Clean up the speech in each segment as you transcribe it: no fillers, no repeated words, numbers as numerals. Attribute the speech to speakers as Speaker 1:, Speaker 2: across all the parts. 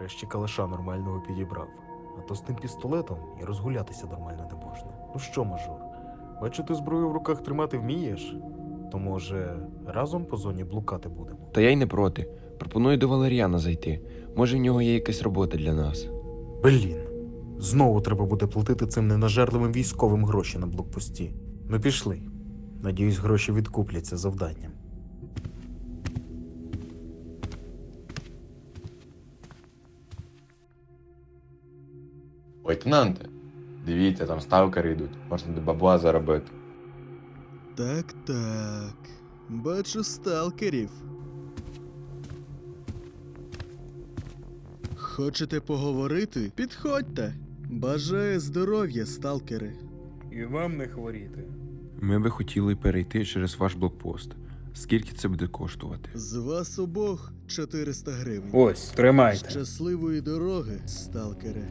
Speaker 1: Нарешті калаша нормального підібрав. А то з тим пістолетом і розгулятися нормально не можна. Ну що, мажор, бачу, ти зброю в руках тримати вмієш? То, може, разом по зоні блукати будемо?
Speaker 2: Та я й не проти. Пропоную до Валеріана зайти. Може, в нього є якась робота для нас.
Speaker 1: Блін, знову треба буде платити цим ненажерливим військовим гроші на блокпості. Ну пішли. Надіюсь, гроші відкупляться завданням.
Speaker 3: Лейтенанте, дивіться, там сталкери йдуть, можна до бабла заробити.
Speaker 4: Так. Бачу сталкерів. Хочете поговорити? Підходьте. Бажаю здоров'я, сталкери.
Speaker 1: І вам не хворіти.
Speaker 2: Ми би хотіли перейти через ваш блокпост. Скільки це буде коштувати?
Speaker 4: З вас обох 400 гривень.
Speaker 1: Ось, тримайте.
Speaker 4: Щасливої дороги, сталкери.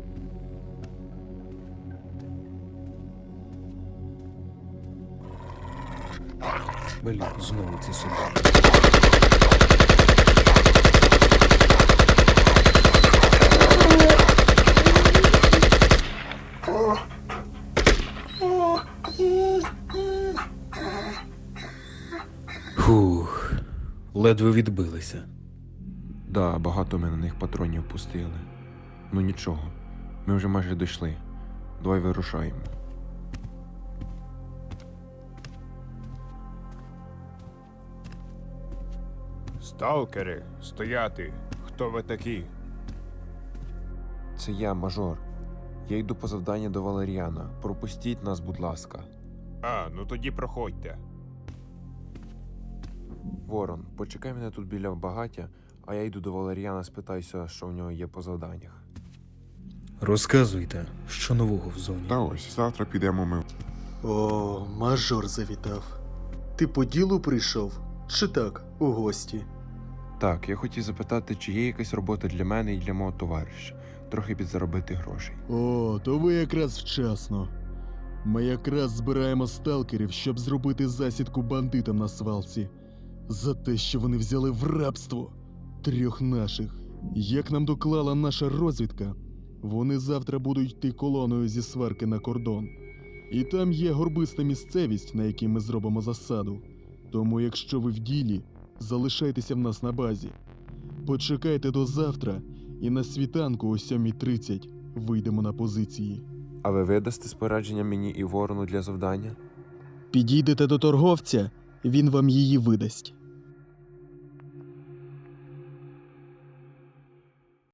Speaker 1: Блін, знову ці собаки. Фух, ледве відбилися.
Speaker 2: Да, багато ми на них патронів пустили. Ну нічого, ми вже майже дійшли. Давай вирушаємо.
Speaker 5: Сталкери, стояти! Хто ви такі?
Speaker 2: Це я, мажор. Я йду по завдання до Валеріана. Пропустіть нас, будь ласка.
Speaker 5: А, ну тоді проходьте.
Speaker 2: Ворон, почекай мене тут біля багаття, а я йду до Валеріана, спитаюся, що в нього є по завданнях.
Speaker 1: Розказуйте, що нового в зоні.
Speaker 6: Та ось, завтра підемо ми.
Speaker 4: О, мажор завітав. Ти по ділу прийшов? Чи так, у гості?
Speaker 2: Так, я хотів запитати, чи є якась робота для мене і для мого товариша. Трохи підзаробити грошей.
Speaker 4: О, то ви якраз вчасно. Ми якраз збираємо сталкерів, щоб зробити засідку бандитам на свалці. За те, що вони взяли в рабство 3 наших. Як нам доклала наша розвідка, вони завтра будуть йти колоною зі сварки на кордон. І там є горбиста місцевість, на якій ми зробимо засаду. Тому якщо ви в ділі, залишайтеся в нас на базі. Почекайте до завтра, і на світанку о 7:30 вийдемо на позиції.
Speaker 2: А ви видасте спорядження мені і ворону для завдання?
Speaker 4: Підійдете до торговця, він вам її видасть.